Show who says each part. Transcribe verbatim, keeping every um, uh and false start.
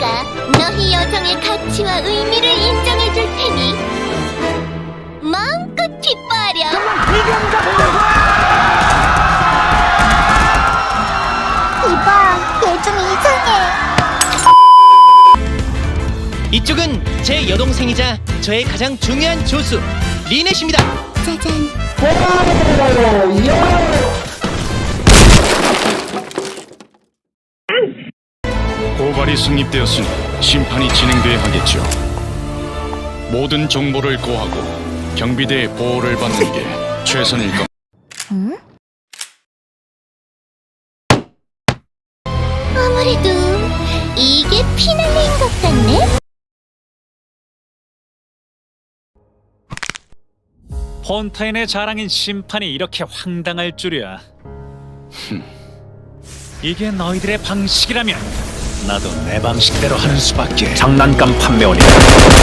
Speaker 1: 내가 너희 여정의 가치와 의미를 인정해줄 테니 마음껏 기뻐하렴. 이봐, 얘 좀 이상해.
Speaker 2: 이쪽은 제 여동생이자 저의 가장 중요한 조수 리넷입니다.
Speaker 1: 짜잔.
Speaker 3: 고발이 성립되었으니 심판이 진행돼야 하겠죠. 모든 정보를 고하고 경비대의 보호를 받는 게 최선일 겁니다.
Speaker 1: 응? 아무래도 이게 피날레인 것 같네?
Speaker 4: 폰타인의 자랑인 심판이 이렇게 황당할 줄이야. 이게 너희들의 방식이라면 나도 내 방식대로 하는 수밖에.
Speaker 5: 장난감 판매원이다.